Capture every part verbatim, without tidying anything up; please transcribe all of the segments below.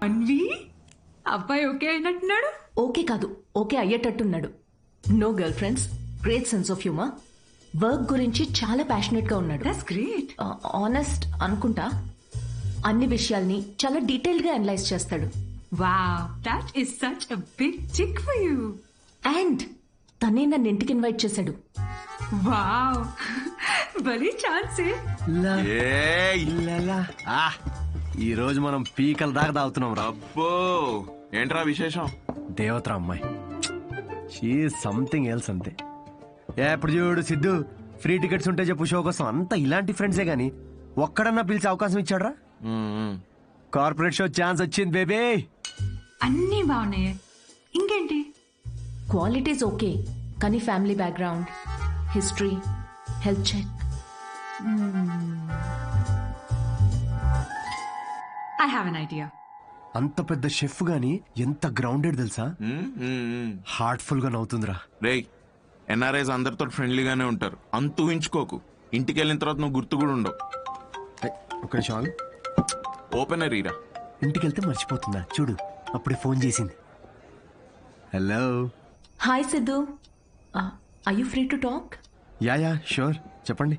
అన్వి అబ్బాయి ఓకే అయినట్టున్నాడు. ఓకే కాదు, ఓకే అయ్యేటట్టున్నాడు. No girlfriends, great sense of humour, work గురించి చాలా ప్యాషనెట్ గా ఉన్నాడు. That's great. ఆనెస్ట్ అనుకుంటా, అన్ని విషయాల్ని చాలా డీటెయిల్ గా అనలైజ్ చేస్తాడు. Wow, that is such a big chick for you. And తనే నన్ను ఇంటికి ఇన్వైట్ చేశాడు. వావ్, భలే ఛాన్సే. ఈ రోజు మనం పీకల దాకా తాగుతున్నాం రా. అబ్బో, ఏంట్రా విశేషం? దేవతరా అమ్మాయి, షీ సంథింగ్ ఎల్స్ అంతే. ఏ ఇప్పుడు చూడు సిద్ధు, ఫ్రీ టికెట్స్ ఉంటే చెప్పు షో కోసం. అంతా ఇలాంటి ఫ్రెండ్సే గానీ ఒక్కడన్నా పిలిచే అవకాశం ఇచ్చాడ్రా? కార్పొరేట్ షో ఛాన్స్ వచ్చింది బేబీ. అన్నీ బాగున్నాయి, ఇంకేంటి? క్వాలిటీస్ ఓకే, కానీ family background, history, health check. I have an idea. అంత పెద్ద షెఫ్ గానీ ఎంత గ్రౌండెడ్ తెలుసా? హార్ట్ఫుల్ గా నవ్వుతుందిరా. రేయ్, ఎన్ఆర్ఐస్ అందరితో ఫ్రెండ్లీగానే ఉంటారు, అంత ఊహించుకోకు. ఇంటికి వెళ్ళిన తర్వాత నువ్వు గుర్తు కూడా ఉండవు. ఒక నిమిషం, ఓపెనర్ ఈరా. ఇంటికి వెళ్తే మర్చిపోతుందా చూడు, అప్పుడే ఫోన్ చేసింది. Hello. Hi Siddhu, are you free to talk? Ya ya sure, చెప్పండి.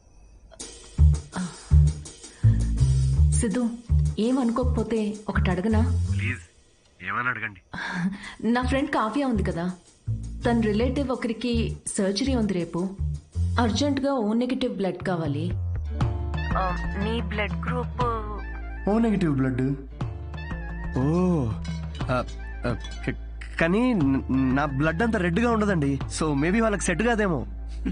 సిద్ధు, ఏమనుకోకపోతే ఒకటి అడగనా? ప్లీజ్, ఏమని అడగండి. నా ఫ్రెండ్ కావ్య ఉంది కదా, తన రిలేటివ్ ఒకరికి సర్జరీ ఉంది రేపు. అర్జెంట్గా ఓ నెగిటివ్ బ్లడ్ కావాలి. నీ blood group O negative blood. ఓ కానీ నా బ్లడ్ అంత రెడ్ గా ఉండదండి, సో మేబీ వాళ్ళకి సెట్ కాదేమో.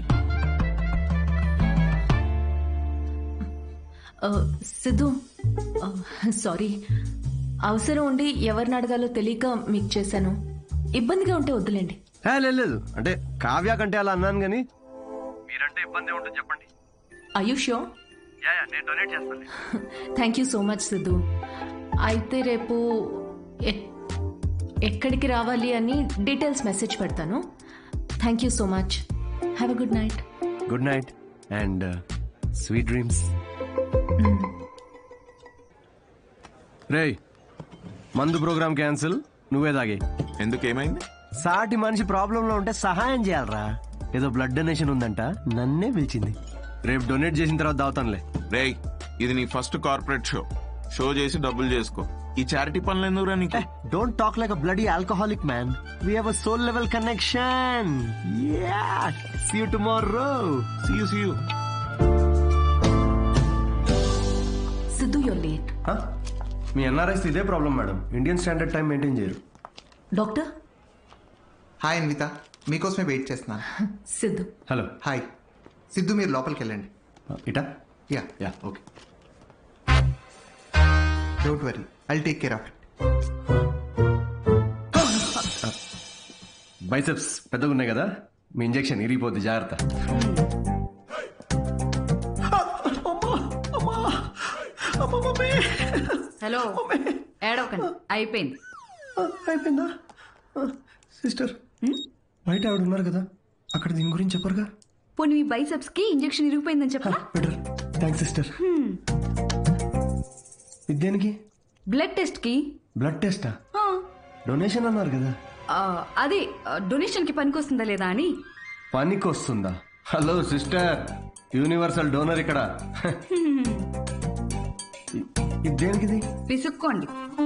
సిద్ధు, సారీ, అవసరం ఉండి ఎవరిని అడగాలో తెలియక మీకు చేశాను. ఇబ్బందిగా ఉంటే వద్దులేండి. లేదు, అంటే కావ్య కంటే అలా అన్నాను కానీ మీరంటే ఇబ్బంది ఉంటుంది చెప్పండి. Are you sure? నేను డొనేట్ చేస్తాను. Thank you so much Siddhu. అయితే రేపు ఎక్కడికి రావాలి అని డీటెయిల్స్ మెసేజ్ పెడతాను. Thank you so much. Have a good night. Good night and sweet dreams. రేయ్, మందు ప్రోగ్రామ్ క్యాన్సిల్, నువ్వే తాగే. ఎందుకు, ఏమైంది? సాటి మనిషి ప్రాబ్లం లో ఉంటే సహాయం చేయాలరా. ఏదో బ్లడ్ డొనేషన్ ఉందంట, నన్నే పిలిచింది. రేపు డొనేట్ చేసిన తర్వాత దావుతానులే. రేయ్, ఇది నీ ఫస్ట్ కార్పొరేట్ షో. షో చేసి డబ్బులు చేసుకో. ఈ చారిటీ పనులు ఎందుకురా నీకు? Don't talk like a bloody alcoholic man. We have a soul level connection. Ya, see you tomorrow. See you see you. Siddhu, you're late. మీ ఎన్ఆర్ఐస్ ఇదే problem madam, Indian standard time maintain చేయరు. Doctor. Hi Anvitha, మీకోసమే wait చేస్తున్నాను. Siddhu. Hello. Hi Siddhu, మీరు లోపలికి వెళ్ళండి. ఇటా? Ya ya okay. Don't worry, I'll take care of it. Biceps పెద్దగా ఉన్నాయి కదా, మీ ఇంజెక్షన్ ఇరిగిపోద్ది, జాగ్రత్త. హలో, ఏడవకండి, అయిపోయింది. అయిపోయిందా? సిస్టర్, బయట ఆవిడ ఉన్నారు కదా, అక్కడ దీని గురించి చెప్పరుగా? పోనీ మీ బైసెప్స్ కి ఇంజెక్షన్ ఇరిగిపోయిందని చెప్పరా? Better, thanks sister. దేనికి? బ్లడ్ టెస్ట్ కి. బ్లడ్ టెస్టా? డొనేషన్ అన్నారు కదా. అదే డొనేషన్ కి పనికొస్తుందా లేదా అని. పనికొస్తుందా? హలో సిస్టర్, యూనివర్సల్ డోనర్ ఇక్కడ. ఇది దేనికిది? పిసుక్కోండి.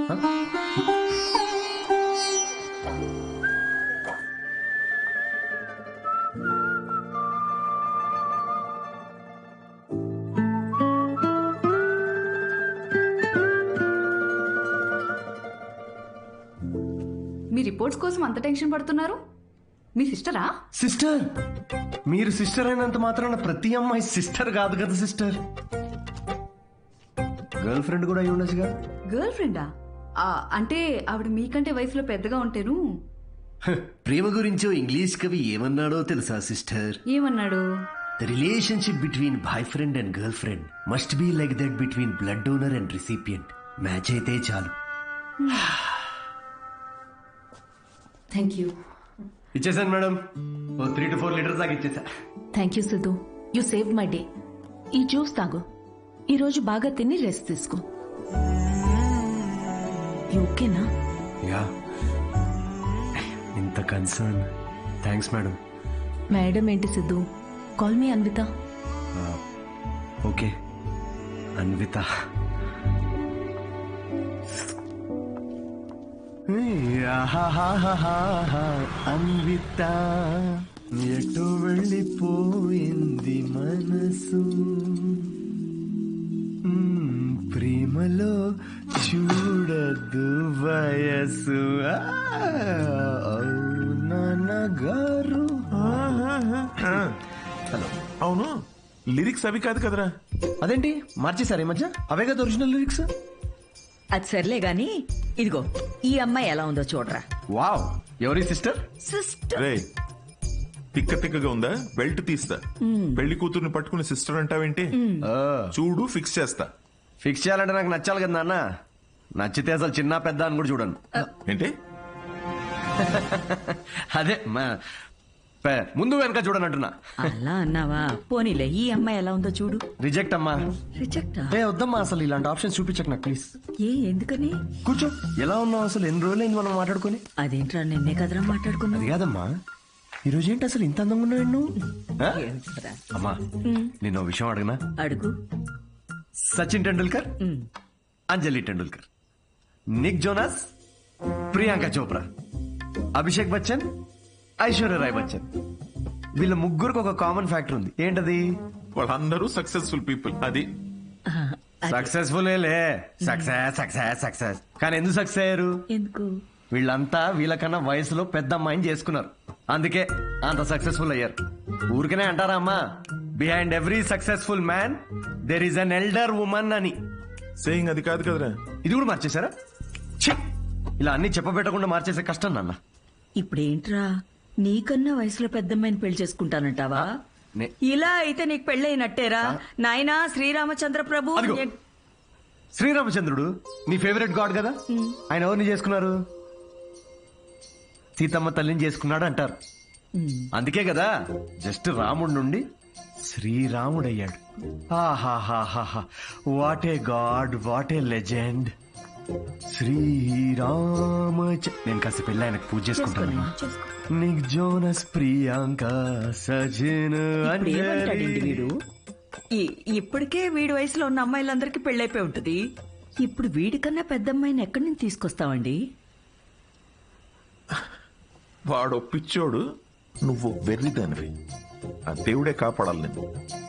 మీ రిపోర్ట్స్ కోసం అంత టెన్షన్ పడుతున్నారు? మీ సిస్టరా? సిస్టర్? మీరు సిస్టర్ అయినంత మాత్రాన ప్రతి అమ్మాయి సిస్టర్ కాదు కదా సిస్టర్. గర్ల్ ఫ్రెండ్ కూడా అయి ఉండొచ్చుగా. గర్ల్ ఫ్రెండా? అంటే ఆవిడ మీకంటే వయసులో పెద్దగా ఉంటేను. ప్రేమ గురించో ఇంగ్లీష్ కవి ఏమన్నాడో తెలుసా సిస్టర్? ఏమన్నాడు? The relationship between boyfriend and girlfriend must be like that between blood donor and recipient. Match అయితే చాలు. Thank you. ఇచ్చేసాను madam, oh three to four litres దాకా ఇచ్చేసా. Thank you Siddhu, you save my day. ఈ juice తాగు, ఈరోజు బాగా తిని రెస్ట్ తీసుకో. ఓకేనా? యా, ఇంత కన్సర్న్. Thanks madam. మేడం ఏంటి Siddhu? Call me Anvitha. Okay Anvitha. Anvitha ఎటు వెళ్ళిపోయింది మనసు, మ్మ్, ప్రేమలో చూడదు వయసు. నాన్నగారు. హలో. అవును, లిరిక్స్ అవి కాదు కదరా. అదేంటి మార్చేశారు ఈ మధ్య? అవే కదా ఒరిజినల్ లిరిక్స్. అది సర్లే గాని ఇదిగో ఈ అమ్మాయి ఎలా ఉందో చూడరా. వావ్, ఎవరి సిస్టర్? సిస్టర్. రే, తిక్క తిక్కగా ఉందా? బెల్ట్ తీస్తా. పెళ్లి కూతుర్ని పట్టుకుని సిస్టర్ అంటావేంటి? చూడు, ఫిక్స్ చేస్తా. ఫిక్స్ చేయాలంటే నాకు నచ్చాలి కదా నాన్న. నచ్చితే అసలు చిన్న పెద్ద అని కూడా చూడను. ఏంటి? అదే మా- పే- ముందు వెనక చూడనంటున్నా. అలా అన్నావా? పోనీలే, ఈ అమ్మాయి ఎలా ఉందో చూడు. రిజెక్ట్ అమ్మా. రిజెక్టా? ఏ వద్దమ్మా, అసలు ఇలాంటి ఆప్షన్స్ చూపించకు నాకు ప్లీజ్. ఏ ఎందుకని? కూర్చో. ఎలా ఉన్నావు అసలు? ఎన్ని రోజులైంది మనం మాట్లాడుకొని? అదేంట్రా, నిన్నే కదరా మాట్లాడుకున్నా. అది కాదమ్మా, ఈ రోజు ఏంటి అసలు ఇంత అందంగా ఉన్నావు నువ్వు? ఆ? అమ్మా, నేను ఓ విషయం అడగనా? అడుగు. Sachin Tendulkar, um. Anjali Tendulkar, Nick Jonas, Priyanka Chopra, Abhishek Bachchan, Aishwarya Rai Bachchan, వీళ్ళ ముగ్గురికి ఒక కామన్ ఫ్యాక్టర్ ఉంది. ఏంటది? వాళ్ళందరూ సక్సెస్ఫుల్ పీపుల్. అది ఆ, అది సక్సెస్ఫుల్ లే. సక్సెస్ సక్సెస్ సక్సెస్ కానీ ఎందుకు సక్సెస్ అయ్యారు? ఎందుకు? వీళ్ళంతా వీళ్ళకన్నా వయసులో పెద్ద అమ్మాయిని చేసుకున్నారు, అందుకే అంత సక్సెస్ఫుల్ అయ్యారు. ఊరికనే అంటారా అమ్మా, behind every successful man there is an elder woman అని. సేయింగ్ అది కాదు కదరా. ఇది కూడా మార్చేశారా? ఛీ! ఇలా అన్ని చెప్పబెట్టకుండా మార్చేసే కష్టం నాన్న. ఇప్పుడేంట్రా, నీకన్నా వయసులో పెద్దమ్మాయిని పెళ్లి చేసుకుంటానంటావా? నే- ఇలా అయితే నీకు పెళ్ళైనట్టేరా నాయనా. శ్రీరామచంద్ర ప్రభు. అదిగో. శ్రీరామచంద్రుడు నీ ఫేవరెట్ గాడ్ కదా, ఆయన ఎవరిని చేసుకున్నారు? సీతమ్మ తల్లిని చేసుకున్నాడు అంటారు. అందుకే కదా జస్ట్ రాముడి నుండి శ్రీరాముడయ్యాడు. ఆహాహాహాహా, what a god, what a legend. Srirama. నేను కాస్త పెళ్ళి ఆయనకు పూజ చేసుకుంటాను. నిక్ జోనస్, ప్రియాంక, సజిన్, ఇప్పుడు ఏమంటాడండి అంజలి. వీడు? ఈ- ఇప్పటికే వీడి వయసులో ఉన్న అమ్మాయిలందరికీ పెళ్ళైపోయి ఉంటది. ఇప్పుడు వీడికన్నా పెద్ద అమ్మాయిని ఎక్కడి నుంచి తీసుకొస్తావండి? వాడు పిచ్చోడు, నువ్వు వెర్రిదానివి. ఆ దేవుడే కాపాడాలి నిన్ను.